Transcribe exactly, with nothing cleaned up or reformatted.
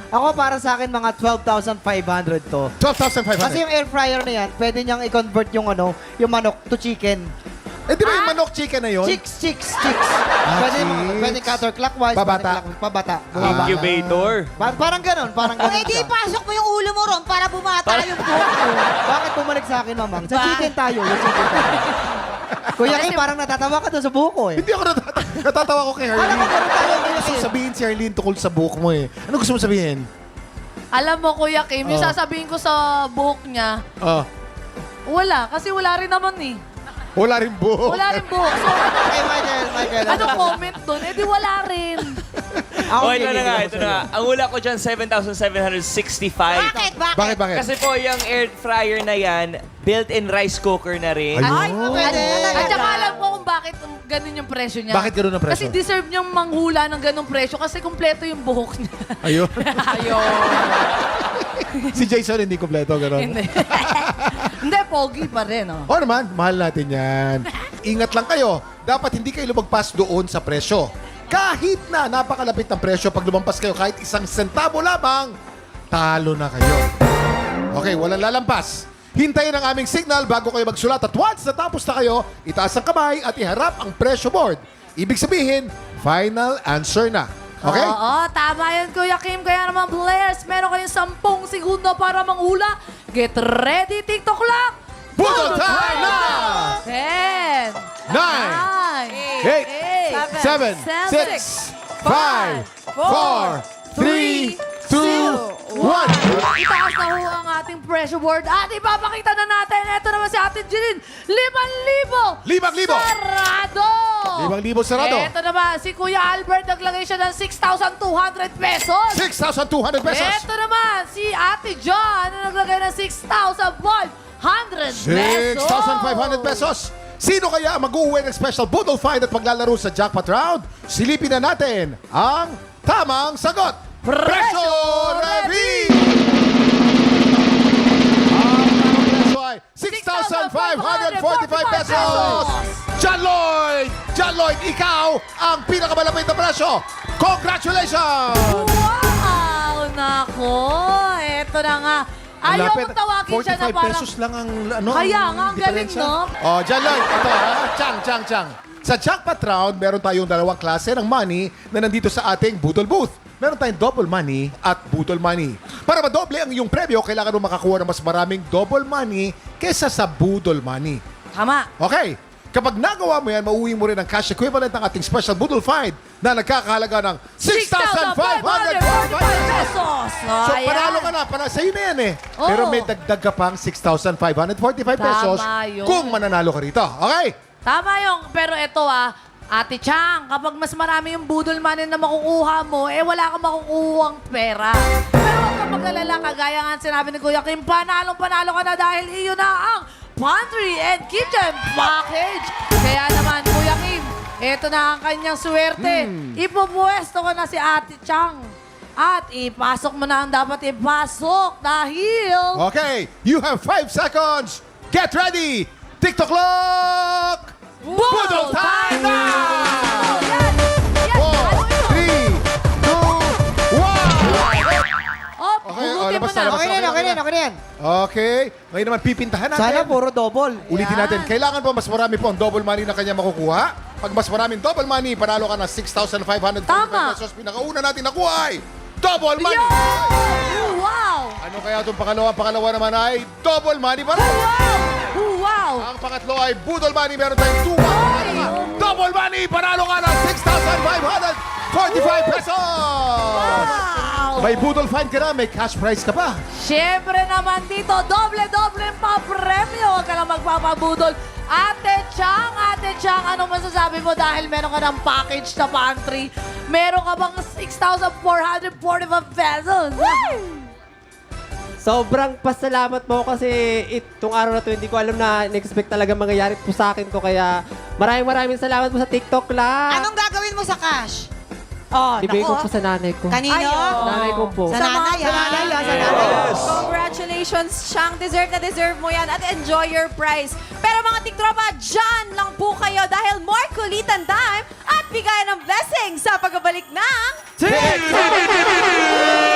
Ako para sa akin mga twelve thousand five hundred to. twelve thousand five Kasi hundred. yung air fryer na yan, pwede niyang i-convert yung ano, yung manok to chicken. Eh, di ba yung manok chicken na yun? Chicks, chicks, chicks. Ah, pwede, chicks. pwede counterclockwise. Pabata. pwede clockwise, Pabata. Ah. Bumabata. Incubator. Pa- parang ganon, parang O, ganon edi siya. pasok mo yung ulo mo ron para bumata yung buhok mo. Bakit bumalik sa akin, mamang? Sa Ba? chicken tayo, yung chicken tayo. Kuya Kim, parang natatawa ka doon sa buhok ko eh. Hindi ako natatawa. Natatawa ko kay Alam mo, Harleen. ganun tayo, Ano Kuya gusto Kim. sabihin si Harleen tukol sa buhok mo eh? Ano gusto mo sabihin? Alam mo, Kuya Kim, yung Oh. sasabihin ko sa buhok niya, Oh, wala. Kasi wala rin naman eh. wala rin buhok. Wala rin buhok. So, ano, Okay, Michael, Michael. ano comment doon? Eh di wala rin. Ako, Oh, ito gigigil na nga, ako ito sa'yo. na nga. Ang hula ko dyan, seven thousand seven hundred sixty-five. Bakit? Bakit? Bakit, bakit? Kasi po, yung air fryer na yan, built-in rice cooker na rin. Ayun. Ay, pwede. At saka alam ko kung bakit ganun yung presyo niya. Bakit ganun ang presyo? Kasi deserve niyang manghula ng ganung presyo kasi kumpleto yung buhok niya. Ayun. Ayun. Si Jason hindi kompleto, gano'n. Hindi. Hindi, pogi pa rin. Oh. O naman, mahal natin yan. Ingat lang kayo. Dapat hindi kayo lumagpas doon sa presyo. Kahit na napakalapit ng presyo, pag lumampas kayo kahit isang sentabo lamang, talo na kayo. Okay, walang lalampas. Hintayin ang aming signal bago kayo magsulat at once natapos na kayo, itaas ang kamay at iharap ang presyo board. Ibig sabihin, final answer na. Okay? Oo, tama yun, Kuya Kim. Kaya naman, players, meron kayong sampung segundo para manghula. Get ready, TikTok clock! Budol time na! Ten, Nine, nine, eight, eight, seven, seven, six, five, four, three, two, one. Itaas na ho ang ating pressure board at ipapakita na natin. Ito naman si Ate Jeline. Limang libo! Limang libo! Sarado! Limang libo sarado. Ito naman si Kuya Albert. Naglagay siya ng six thousand two hundred pesos. six thousand two hundred pesos. Ito naman si Ate John na naglagay ng six thousand five hundred pesos. six thousand five hundred pesos. Sino kaya ang mag-uwi ng special Budol Find at maglalaro sa jackpot round? Silipin na natin ang tamang sagot. Presyo Ready! Ang tamang presyo ay six thousand five hundred forty-five pesos. John Lloyd! John Lloyd, ikaw ang pinakamalapit na presyo. Congratulations! Wow! Nako! Ito na nga. Ayaw Lapit. mong tawagin siya na forty-five parang... pesos lang ang ano. Kaya nga, ang galing, diferensya. no? Oh, John Lloyd, ito ha. Chang, chang, chang. Sa jackpot round, meron tayong dalawang klase ng money na nandito sa ating Budol Booth. Meron tayong double money at Budol money. Para madoble ang iyong premyo, kailangan mo makakuha ng mas maraming double money kesa sa Budol money. Tama. Okay. Kapag nagawa mo yan, mauwi mo rin ang cash equivalent ng ating special Budol Find na nagkakahalaga ng six thousand five hundred forty-five pesos. So, Ayan. panalo ka na. Panalo, sa'yo na yan eh. Oo. Pero may dagdag ka pang six thousand five hundred forty-five pesos Tama yun. kung mananalo ka rito. Okay? Tama yung, pero ito ah, Ate Chang, kapag mas marami yung budol money na makukuha mo, eh wala kang makukuhang pera. Pero huwag kang mag-alala, kagaya nga sinabi ni Kuya Kim, panalong-panalo ka na dahil iyon na ang Pantry and Kitchen Package. Kaya naman, Kuya Kim, ito na ang kanyang swerte. Hmm. Ipupuwesto ko na si Ate Chang. At ipasok mo na ang dapat ipasok dahil... Okay. You have five seconds. Get ready. TikTok clock. Budol time na! Yan! Yan! Four, Ano yun? three, two, one. Oh, Okay, oh, hugutin mo labas na. na, labas Okay na yan, okay na yan, okay na yan. Okay. Ngayon naman pipintahan natin. Sana puro double. Ulitin Yan. natin. Kailangan po mas marami po ang double money na kanya makukuha. Pag mas maraming double money, panalo ka ng six thousand five hundred Tama. pesos. Pinakauna natin nakuha ay double money. Yo! Wow! Ano kaya itong pangalawa? Pangalawa naman ay double money pa rin. Wow! Wow! Ang pangatlo ay budol money. Meron tayong two one. Double money. Panalo ka ng six thousand five hundred forty-five pesos. Wow! May budol find ka na. May cash prize ka pa. Siyempre naman dito, doble-doble pa premyo. Huwag ka lang magpapabudol. Ate Chang, Ate Chang, ano masasabi mo dahil meron ka ng package na pantry? Meron ka bang six thousand four hundred forty-five pesos? Sobrang pasalamat po kasi itong araw na to hindi ko alam na in-expect talaga mangyayari po sa akin ko. Kaya maraming maraming salamat po sa TikTok lang. Anong gagawin mo sa cash? Oh, Ibigay ko nako. po sa nanay ko. Kanino? Nanay ko po. Sa nanay, Sa nanay, ah, sa nanay. Congratulations, Chang. Deserve na deserve mo yan at enjoy your prize. Pero mga tiktropa, dyan lang po kayo dahil more kulitan time at bigayan ng blessing sa pagbabalik ng... TikTok!